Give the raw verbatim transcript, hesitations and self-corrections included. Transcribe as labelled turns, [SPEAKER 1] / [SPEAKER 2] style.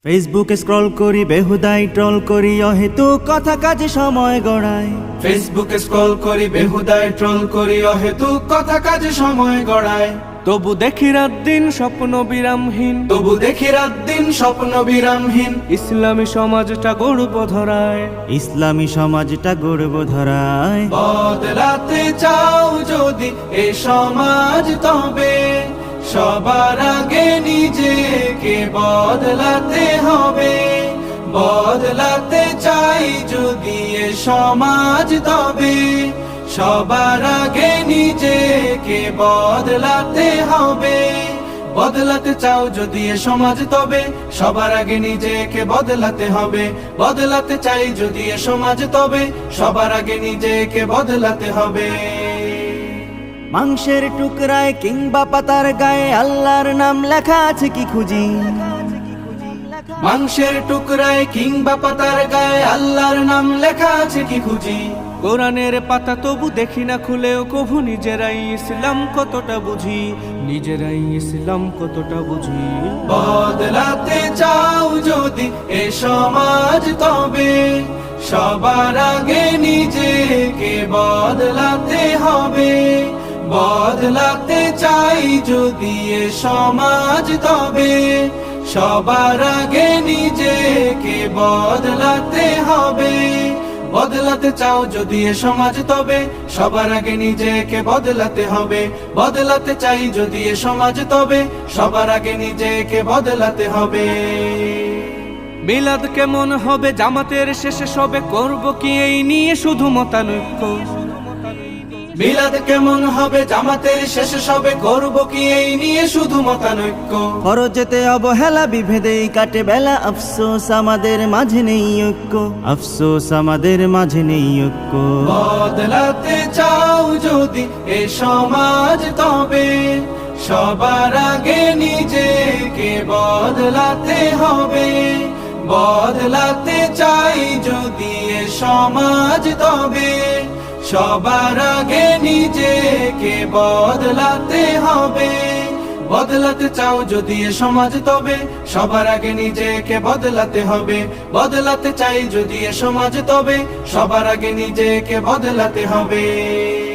[SPEAKER 1] ফেসবুকে স্ক্রল করি বেহুদাই ট্রল করি অহেতুক কথা কাজে সময় গড়ায়।
[SPEAKER 2] ফেসবুকে স্ক্রল করি বেহুদায় ট্রল করি অহেতুক কথা কাজে সময় গড়ায়।
[SPEAKER 3] তবু দেখি রাত দিন স্বপ্ন বিরামহীন,
[SPEAKER 2] তবু দেখি রাত দিন স্বপ্ন বিরামহীন।
[SPEAKER 3] ইসলামী সমাজটা গর্ব ধরায়,
[SPEAKER 1] ইসলামী সমাজটা গর্ব ধরায়।
[SPEAKER 2] বদলাতে চাও যদি এ সমাজ তবে সবার আগে নিজেকে বদলাতে হবে। বদলাতে চাই যদি এ সমাজ তবে সবার আগে নিজেকে বদলাতে হবে। বদলাতে চাও যদি এ সমাজ তবে সবার আগে নিজেকে বদলাতে হবে। বদলাতে চাই যদি এ সমাজ তবে সবার আগে নিজেকে বদলাতে হবে।
[SPEAKER 1] মাংসের টুকরায় কিংবা পাতার গায়ে আল্লাহর নাম লেখা আছে কি খুঁজি।
[SPEAKER 2] মাংসের টুকরায় কিংবা পাতার গায়ে আল্লাহর নাম লেখা আছে কি খুঁজি।
[SPEAKER 3] কোরআনের পাতা তবু দেখি না খুলেও কভু নিজেরাই ইসলাম কতটা বুঝি, নিজেরাই ইসলাম কতটা বুঝি।
[SPEAKER 2] বদলাতে চাও যদি এ সমাজ তবে সবার আগে নিজেকে বদলাতে হবে। বদলাতে চাই যদি এ সমাজ তবে সবার আগে নিজেকে বদলাতে হবে। বদলাতে চাও যদি এ সমাজ তবে সবার আগে নিজেকে বদলাতে হবে। বদলাতে চাই যদি এ সমাজ তবে সবার আগে নিজেকে বদলাতে হবে।
[SPEAKER 3] মিলাদ কেমন হবে জামাতের শেষে সবে, করব কি এই নিয়ে শুধু মতানৈক্য।
[SPEAKER 2] মিলাদ কেমন হবে জামাতের শেষে সবে, করব কি এই নিয়ে শুধু মতানৈক্য।
[SPEAKER 1] ফরজেতে অবহেলা বিভেদেই কাটে বেলা, আফসোস আমাদের মাঝে নেই ঐক্য। আফসোস আমাদের মাঝে নেই ঐক্য।
[SPEAKER 2] বদলাতে চাও যদি এ সমাজ তবে সবার আগে নিজেকে বদলাতে হবে। বদলাতে চাই যদি এ সমাজ তবে সবার আগে নিজেকে বদলাতে হবে। বদলাতে চাও যদি এ সমাজ তবে সবার আগে নিজেকে বদলাতে হবে। বদলাতে চাই যদি এ সমাজ তবে সবার আগে নিজেকে বদলাতে হবে।